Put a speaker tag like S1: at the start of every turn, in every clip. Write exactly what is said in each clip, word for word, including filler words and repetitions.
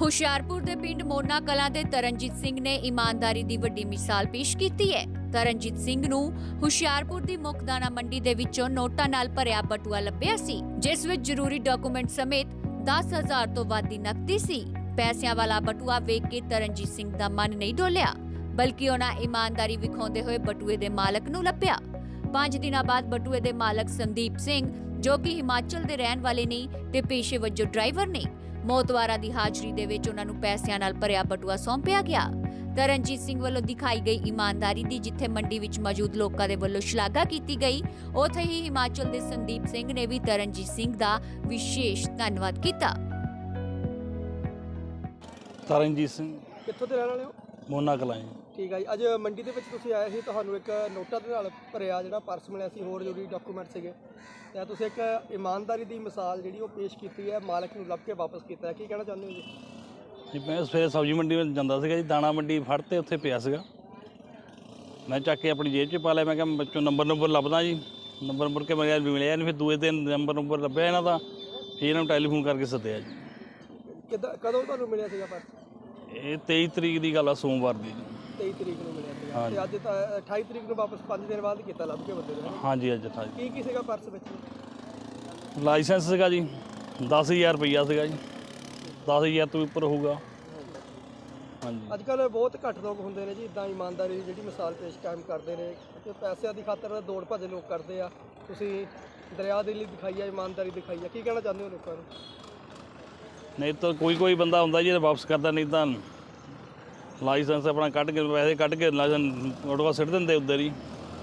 S1: ਹੁਸ਼ਿਆਰਪੁਰ ਦੇ ਪਿੰਡ ਮੋਨਾ ਕਲਾਂ ਦੇ ਤਰਨਜੀਤ ਸਿੰਘ ਨੇ ਇਮਾਨਦਾਰੀ ਦੀ ਵੱਡੀ ਮਿਸਾਲ ਪੇਸ਼ ਕੀਤੀ ਹੈ। ਤਰਨਜੀਤ ਸਿੰਘ ਨੂੰ ਹੁਸ਼ਿਆਰਪੁਰ ਦੀ ਮੁੱਖ ਦਾਣਾ ਮੰਡੀ ਦੇ ਵਿੱਚੋਂ ਨੋਟਾਂ ਨਾਲ ਭਰਿਆ ਬਟੂਆ ਲੱਭਿਆ ਸੀ, ਜਿਸ ਵਿੱਚ ਜ਼ਰੂਰੀ ਡਾਕੂਮੈਂਟ ਸਮੇਤ ਦਸ ਹਜ਼ਾਰ ਤੋਂ ਵੱਧ ਦੀ ਨਕਦੀ ਸੀ। ਪੈਸਿਆਂ ਵਾਲਾ ਬਟੂਆ ਵੇਖ ਕੇ ਤਰਨਜੀਤ ਸਿੰਘ ਦਾ ਮਨ ਨਹੀਂ ਡੋਲਿਆ, ਬਲਕਿ ਉਹਨਾਂ ਇਮਾਨਦਾਰੀ ਵਿਖਾਉਂਦੇ ਹੋਏ ਬਟੂਏ ਦੇ ਮਾਲਕ ਨੂੰ ਲੱਭਿਆ। ਪੰਜ ਦਿਨਾਂ ਬਾਅਦ ਬਟੂਏ ਦੇ ਮਾਲਕ ਸੰਦੀਪ ਸਿੰਘ, ਜੋ ਕਿ ਹਿਮਾਚਲ ਦੇ ਰਹਿਣ ਵਾਲੇ ਨੇ ਤੇ ਪੇਸ਼ੇ ਵਜੋਂ ਡਰਾਈਵਰ ਨੇ, ਮੋਤਵਾਰਾ ਦੀ ਹਾਜ਼ਰੀ ਦੇ ਵਿੱਚ ਉਹਨਾਂ ਨੂੰ ਪੈਸਿਆਂ ਨਾਲ ਭਰਿਆ ਬਟੂਆ ਸੌਂਪਿਆ ਗਿਆ। ਤਰਨਜੀਤ ਸਿੰਘ ਵੱਲੋਂ ਦਿਖਾਈ ਗਈ ਇਮਾਨਦਾਰੀ ਦੀ ਜਿੱਥੇ ਮੰਡੀ ਵਿੱਚ ਮੌਜੂਦ ਲੋਕਾਂ ਦੇ ਵੱਲੋਂ ਸ਼ਲਾਘਾ ਕੀਤੀ ਗਈ, ਉੱਥੇ ਹੀ ਹਿਮਾਚਲ ਦੇ ਸੰਦੀਪ ਸਿੰਘ ਨੇ ਵੀ ਤਰਨਜੀਤ ਸਿੰਘ ਦਾ ਵਿਸ਼ੇਸ਼ ਧੰਨਵਾਦ ਕੀਤਾ।
S2: ਤਰਨਜੀਤ ਸਿੰਘ
S3: ਕਿੱਥੋਂ ਦੇ ਰਹਿਣ ਵਾਲੇ ਹੋ?
S2: ਮੋਨਾ ਕਲਾਂ ਜੀ।
S3: ਠੀਕ ਹੈ ਜੀ। ਅੱਜ ਮੰਡੀ ਦੇ ਵਿੱਚ ਤੁਸੀਂ ਆਏ ਸੀ, ਤੁਹਾਨੂੰ ਇੱਕ ਨੋਟਾਂ ਦੇ ਨਾਲ ਭਰਿਆ ਜਿਹੜਾ ਪਰਸ ਮਿਲਿਆ ਸੀ, ਹੋਰ ਜ਼ਰੂਰੀ ਡਾਕੂਮੈਂਟ ਸੀਗੇ, ਤੇ ਤੁਸੀਂ ਇੱਕ ਇਮਾਨਦਾਰੀ ਦੀ ਮਿਸਾਲ ਜਿਹੜੀ ਉਹ ਪੇਸ਼ ਕੀਤੀ ਹੈ, ਮਾਲਕ ਨੂੰ ਲੱਭ ਕੇ ਵਾਪਸ ਕੀਤਾ ਹੈ। ਕੀ ਕਹਿਣਾ ਚਾਹੁੰਦੇ ਹੋ ਜੀ?
S2: ਜੀ ਮੈਂ ਸਵੇਰੇ ਸਬਜ਼ੀ ਮੰਡੀ ਵਿੱਚ ਜਾਂਦਾ ਸੀਗਾ ਜੀ, ਦਾਣਾ ਮੰਡੀ ਫੜ ਤੇ ਉੱਥੇ ਪਿਆ ਸੀਗਾ, ਮੈਂ ਚੱਕ ਕੇ ਆਪਣੀ ਜੇਬ 'ਚ ਪਾ ਲਿਆ। ਮੈਂ ਕਿਹਾ ਬੱਚੋਂ ਨੰਬਰ ਨੰਬਰ ਲੱਭਦਾ ਜੀ, ਨੰਬਰ ਮੁੜ ਕੇ ਮੈਂ ਮਿਲਿਆ ਨਹੀਂ। ਫਿਰ ਦੂਏ ਦਿਨ ਨੰਬਰ ਨੰਬਰ ਲੱਭਿਆ ਇਹਨਾਂ ਦਾ, ਫਿਰ ਇਹਨਾਂ ਨੂੰ ਟੈਲੀਫੋਨ ਕਰਕੇ ਸੱਦਿਆ ਜੀ।
S3: ਕਿੱਦਾਂ ਕਦੋਂ ਤੁਹਾਨੂੰ ਮਿਲਿਆ ਸੀਗਾ ਪਰਸ?
S2: ਇਹ ਤੇਈ ਤਰੀਕ ਦੀ ਗੱਲ ਆ, ਸੋਮਵਾਰ ਦੀ ਜੀ।
S3: ਤੇਈ ਤਰੀਕ ਨੂੰ ਮਿਲਿਆ ਸੀਗਾ ਤੇ ਅੱਜ ਤਾਂ ਅਠਾਈ ਤਰੀਕ ਨੂੰ ਵਾਪਸ ਪੰਜ ਦਿਨ ਬਾਅਦ ਕੀਤਾ ਲੱਭ ਕੇ ਬੰਦੇ ਨੇ।
S2: ਹਾਂਜੀ ਅੱਜ ਅਠਾਈ।
S3: ਕੀ ਕੀ ਸੀਗਾ ਪਰਸ ਵਿੱਚ?
S2: ਲਾਇਸੈਂਸ ਸੀਗਾ ਜੀ, ਦਸ ਹਜ਼ਾਰ ਰੁਪਈਆ ਸੀਗਾ ਜੀ, ਦਸ ਹਜ਼ਾਰ ਤੋਂ ਉੱਪਰ ਹੋਊਗਾ। ਹਾਂਜੀ
S3: ਅੱਜ ਕੱਲ੍ਹ ਬਹੁਤ ਘੱਟ ਲੋਕ ਹੁੰਦੇ ਨੇ ਜੀ ਇੱਦਾਂ ਇਮਾਨਦਾਰੀ ਦੀ ਜਿਹੜੀ ਮਿਸਾਲ ਪੇਸ਼ ਕਾਇਮ ਕਰਦੇ ਨੇ, ਤੇ ਪੈਸਿਆਂ ਦੀ ਖਾਤਰ ਦੌੜ ਭੱਜ ਲੋਕ ਕਰਦੇ ਆ। ਤੁਸੀਂ ਦਰਿਆ ਦੇ ਲਈ ਦਿਖਾਈ ਆ, ਇਮਾਨਦਾਰੀ ਦਿਖਾਈ ਆ। ਕੀ ਕਹਿਣਾ ਚਾਹੁੰਦੇ ਹੋ ਲੋਕਾਂ ਨੂੰ?
S2: ਨਹੀਂ ਤਾਂ ਕੋਈ ਕੋਈ ਬੰਦਾ ਹੁੰਦਾ ਜੀ ਵਾਪਸ ਕਰਦਾ, ਨਹੀਂ ਤਾਂ ਲਾਇਸੈਂਸ ਆਪਣਾ ਕੱਢ ਕੇ ਪੈਸੇ ਕੱਢ ਕੇ ਲਾਇਸੈਂਸ ਆਟੋਆ ਸਿੱਟ ਦਿੰਦੇ ਉੱਧਰ ਹੀ।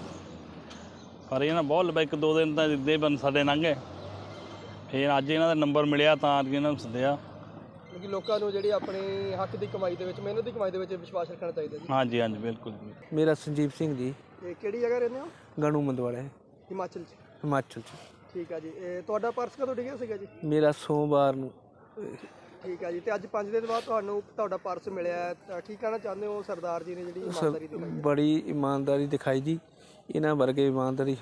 S2: ਪਰ ਇਹ ਨਾ ਬਹੁਤ ਲੰਬਾ ਇੱਕ ਦੋ ਦਿਨ ਤਾਂ ਇੱਦਾਂ ਬੰ ਸਾਡੇ ਲੰਘੇ, ਫਿਰ ਅੱਜ ਇਹਨਾਂ ਦਾ ਨੰਬਰ ਮਿਲਿਆ ਤਾਂ ਅੱਜ ਇਹਨਾਂ ਨੂੰ ਸੱਦਿਆ।
S3: ਕਿਉਂਕਿ ਲੋਕਾਂ ਨੂੰ ਜਿਹੜੀ ਆਪਣੀ ਹੱਕ ਦੀ ਕਮਾਈ ਦੇ ਵਿੱਚ, ਮਿਹਨਤ ਦੀ ਕਮਾਈ ਦੇ ਵਿੱਚ ਵਿਸ਼ਵਾਸ ਰੱਖਣਾ ਚਾਹੀਦਾ ਜੀ।
S2: ਹਾਂਜੀ ਹਾਂਜੀ ਬਿਲਕੁਲ ਜੀ।
S4: ਮੇਰਾ ਸੰਜੀਵ ਸਿੰਘ ਜੀ।
S3: ਇਹ ਕਿਹੜੀ ਜਗ੍ਹਾ ਰਹਿੰਦੇ ਹੋ?
S4: ਗਣੂ ਮੰਦਵਾੜਾ ਹੈ,
S3: ਹਿਮਾਚਲ 'ਚ।
S4: ਹਿਮਾਚਲ 'ਚ।
S3: ਠੀਕ ਆ ਜੀ। ਇਹ ਤੁਹਾਡਾ ਪਰਸ ਕਦੋਂ ਡਿੱਗਿਆ ਸੀਗਾ ਜੀ?
S4: ਮੇਰਾ ਸੋਮਵਾਰ ਨੂੰ।
S3: ਠੀਕ ਆ ਜੀ। ਤੇ ਅੱਜ ਪੰਜ ਦਿਨ ਬਾਅਦ ਤੁਹਾਨੂੰ ਤੁਹਾਡਾ ਪਰਸ ਮਿਲਿਆ ਹੈ, ਤਾਂ ਕੀ ਕਹਿਣਾ ਚਾਹੁੰਦੇ ਹੋ ਸਰਦਾਰ ਜੀ ਨੇ ਜਿਹੜੀ ਇਮਾਨਦਾਰੀ ਦਿਖਾਈ ਹੈ?
S4: ਬੜੀ ਇਮਾਨਦਾਰੀ ਦਿਖਾਈ ਜੀ। ਇਹਨਾਂ ਵਰਗੇ ਇਮਾਨਦਾਰੀ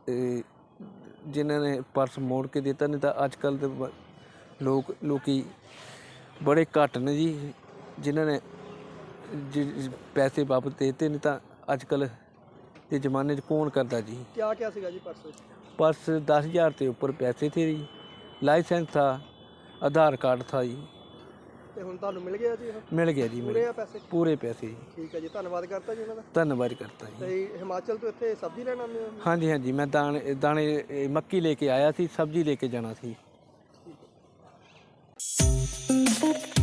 S4: ਜਿਨ੍ਹਾਂ ਨੇ ਪਰਸ ਮੋੜ ਕੇ ਦਿੱਤਾ, ਨਹੀਂ ਤਾਂ ਅੱਜ ਕੱਲ੍ਹ ਦੇ ਲੋਕ ਲੋਕੀ ਬੜੇ ਘੱਟ ਨੇ ਜੀ ਜਿਨ੍ਹਾਂ ਨੇ ਜੀ ਪੈਸੇ ਵਾਪਸ ਦੇ ਦਿੱਤੇ, ਨਹੀਂ ਤਾਂ ਅੱਜ ਕੱਲ੍ਹ ਦੇ ਜ਼ਮਾਨੇ 'ਚ ਕੌਣ ਕਰਦਾ ਜੀ।
S3: ਕਿਆ ਕਿਆ ਸੀਗਾ ਜੀ ਪਰਸ ਵਿੱਚ?
S4: पर्स दस हज़ार से ऊपर पैसे थे जी, लाइसेंस था, आधार कार्ड था जी।
S3: ਤੇ ਹੁਣ ਤੁਹਾਨੂੰ ਮਿਲ ਗਿਆ ਜੀ?
S4: मिल गया जी,
S3: ਪੂਰੇ
S4: मिल
S3: ਆ ਪੈਸੇ?
S4: पूरे पैसे जी।
S3: ਠੀਕ ਹੈ ਜੀ। ਧੰਨਵਾਦ ਕਰਤਾ ਜੀ ਉਹਨਾਂ ਦਾ।
S4: धन्यवाद करता जी।
S3: ਤੇ ਹਿਮਾਚਲ ਤੋਂ ਇੱਥੇ ਸਬਜ਼ੀ ਲੈਣ ਆਉਂਦੇ ਹੋ?
S4: हाँ जी हाँ जी, मैं दाने दाने ए, मक्की लेके आया थी, सब्जी लेके जाना थी।